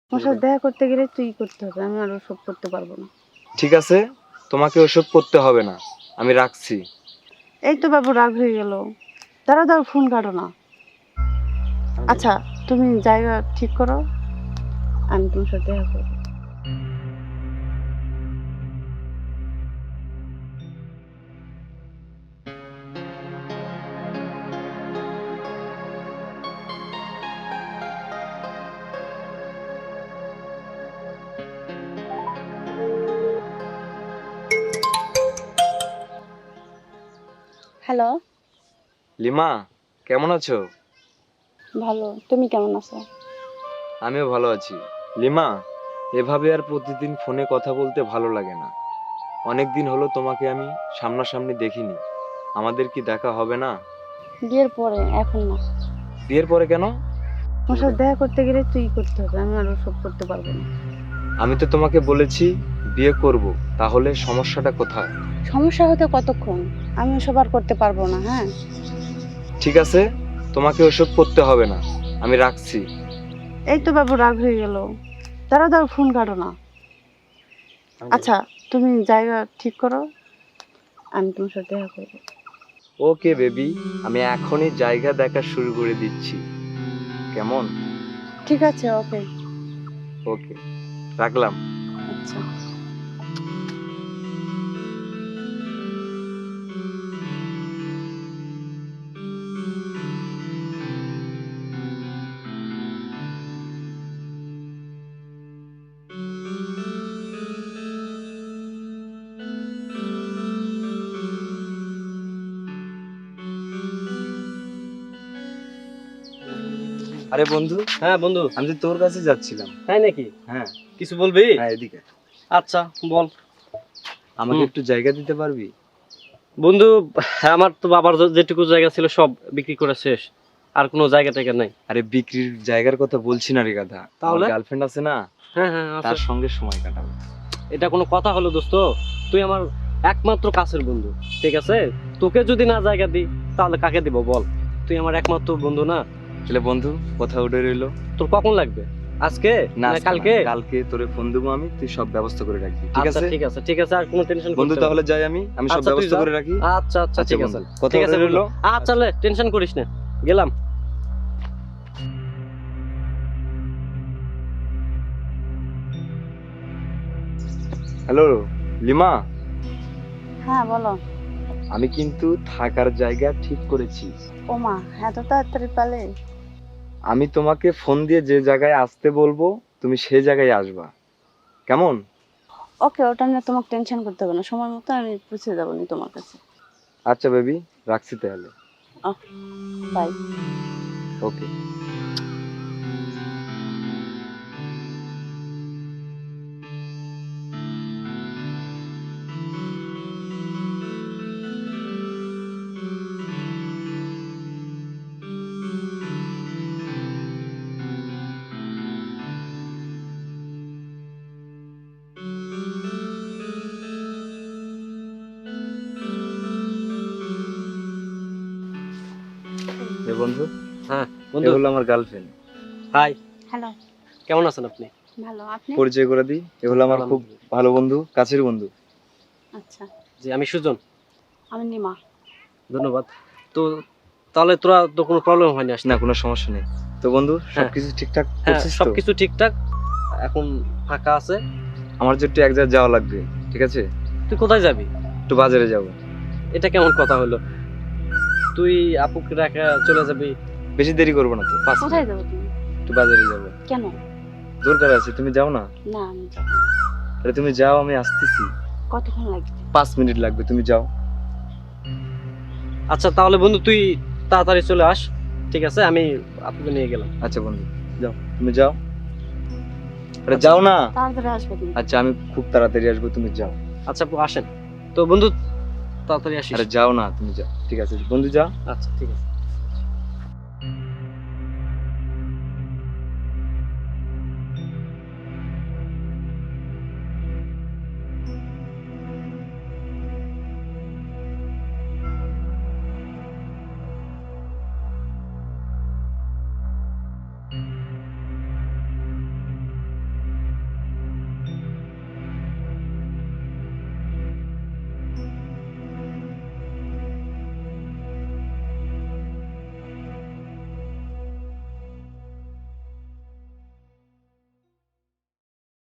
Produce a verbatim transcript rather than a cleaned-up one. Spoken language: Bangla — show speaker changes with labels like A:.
A: ওর সাথে দেখা করতে গেলে তুই করতে হবে, আমি আর ওসব করতে পারবো না।
B: ঠিক আছে, তোমাকে ওসব করতে হবে না, আমি রাখছি।
A: এই তো বাবু রাগ হয়ে গেল। দাঁড়াও দাঁড়াও, ফোন কাটো না। আচ্ছা তুমি জায়গা ঠিক করো, আমি তোমার সাথে দেখা করবো। হ্যালো।
B: লিমা, কেমন আছো?
A: ভালো, তুমি কেমন আছো?
B: আমিও ভালো আছি। লিমা, এভাবে আর প্রতিদিন ফোনে কথা বলতে ভালো লাগে না। অনেক দিন হলো তোমাকে আমি সামনাসামনি দেখিনি। আমাদের কি দেখা হবে না?
A: বিয়ের পরে, এখন না।
B: বিয়ের পরে কেন?
A: ওর সাথে দেখা করতে গেলে তুই করতে হবে, আমি আর ওসব করতে পারবো না।
B: আমি তো তোমাকে বলেছি বিয়ে করব, তাহলে সমস্যাটা কোথায়?
A: সমস্যা হতে কতক্ষণ, আমি ওসব আর করতে পারবো না। হ্যাঁ
B: ঠিক আছে, তোমাকে ওসব করতে হবে না, আমি রাখছি।
A: এই তো বাবু রাগ হয়ে গেল। দাঁড়াও দাঁড়াও, ফোন কাটো না। আচ্ছা তুমি জায়গা ঠিক করো, আমি তোমার সাথে দেখা করবো।
B: ওকে বেবি, আমি এখনই জায়গা দেখা শুরু করে দিচ্ছি। কেমন?
A: ঠিক আছে, ওকে।
B: ওকে, রাখলাম।
A: আচ্ছা।
B: আরে বন্ধু,
C: হ্যাঁ বন্ধু।
B: আমি তো তোর কাছে যাচ্ছিলাম।
C: তাই নাকি?
B: হ্যাঁ।
C: কিছু বলবি?
B: হ্যাঁ, এদিকে।
C: আচ্ছা বল।
B: আমাকে
C: হুম।
B: একটু জায়গা দিতে পারবি?
C: বন্ধু, আমার তো বাবার যে- যেটুকু জায়গা ছিল সব বিক্রি করে শেষ, আর কোনো জায়গা টায়গা নাই।
B: আরে বিক্রির জায়গার কথা বলছি না রে গাধা,
C: তাহলে?
B: গার্লফ্রেন্ড আছে না,
C: হ্যাঁ হ্যাঁ আছে।
B: তার সঙ্গে সময় কাটাবো।
C: এটা কোনো কথা হলো দোস্ত? তুই আমার একমাত্র কাছের বন্ধু, ঠিক আছে? তোকে যদি না জায়গা দিই তাহলে কাকে দিব বল? তুই আমার একমাত্র বন্ধু না?
B: তাহলে বন্ধু, কথা উঠে রইলো।
C: তোর কখন লাগবে? আজকে
B: না
C: না
B: আজকে
C: কালকে?
B: না, কালকে তোরে ফোন দেবো আমি, তুই সব ব্যবস্থা করে রাখবি, ঠিক
C: আচ্ছা
B: আছে?
C: ঠিক আছে ঠিক আছে, আর কোনো টেনশন
B: বন্ধু তাহলে যাই আমি, আমি সব
C: আচ্ছা, তুই
B: ব্যবস্থা
C: যা।
B: করে রাখি।
C: আচ্ছা আচ্ছা
B: আচ্ছা
C: ঠিক
B: বন্ধু,
C: আছে
B: কথা
C: ঠিক আছে
B: উঠে রইলো।
C: বন্ধু। আচ্ছা লে, টেনশন করিস না, গেলাম।
B: হ্যালো লিমা,
A: হ্যাঁ বলো।
B: আমি কিন্তু থাকার জায়গা ঠিক করেছি।
A: ওমা, এত তাড়াতাড়ি পালে?
B: আমি তোমাকে ফোন দিয়ে যে জায়গায় আসতে বলবো তুমি সেই জায়গায় আসবা, কেমন?
A: ওকে, ওটা নিয়ে তোমাকে টেনশন করতে হবে না, সময় মতো আমি পৌঁছে যাবো নি তোমার কাছে।
B: আচ্ছা বেবি, রাখছি তাহলে।
A: বাই।
B: ওকে। এ বন্ধু,
C: হ্যাঁ
B: এ
C: বন্ধু।
B: হলো আমার গার্লফ্রেন্ড।
C: High,
A: hello.
C: কেমন আছেন আপনি?
A: ভালো, আপনি?
B: পরিচয় করে দিই, এ হলো আমার খুব ভালো বন্ধু, কাছের বন্ধু।
A: আচ্ছা,
C: জি আমি সুজন।
A: আমি নিমা।
C: ধন্যবাদ। তো তাহলে তোরা তো কোনো প্রবলেম হয়নি আসলে?
B: না, কোনো সমস্যা নেই। তো বন্ধু,
C: হ্যাঁ।
B: সবকিছু ঠিকঠাক
C: হ্যাঁ
B: করছিস তো?
C: সবকিছু ঠিকঠাক, এখন ফাঁকা আছে।
B: আমার যে একটু এক জায়গায় যাওয়া লাগবে, ঠিক আছে?
C: তুই কোথায় যাবি?
B: একটু বাজারে যাব।
C: এটা কেমন কথা হলো? তুই আপুকে রাখা চলে যাবি?
B: বেশি দেরি করবো না তো, পাঁচ
A: কোথায়
B: মিনিট।
A: যাবো তুমি?
B: একটু বাজারে যাব,
A: কেন?
B: দরকার আছে, তুমি যাও না।
A: না আমি যাবো না।
B: আরে তুমি যাও, আমি আসতেছি।
A: কতক্ষণ লাগবে?
B: পাঁচ মিনিট লাগবে, তুমি যাও।
C: আচ্ছা তাহলে বন্ধু তুই তাড়াতাড়ি চলে আস, ঠিক আছে? আমি আপুকে নিয়ে গেলাম।
B: আচ্ছা বন্ধু, যাও, তুমি যাও। আরে যাও না।
A: তাড়াতাড়ি আসবে তুমি।
B: আচ্ছা আমি খুব তাড়াতাড়ি আসবো, তুমি যাও।
C: আচ্ছা আপু আসেন। তো বন্ধু তাড়াতাড়ি আসিস।
B: আরে যাও না, তুমি যাও, ঠিক আছে বন্ধু, যাও।
C: আচ্ছা ঠিক আছে।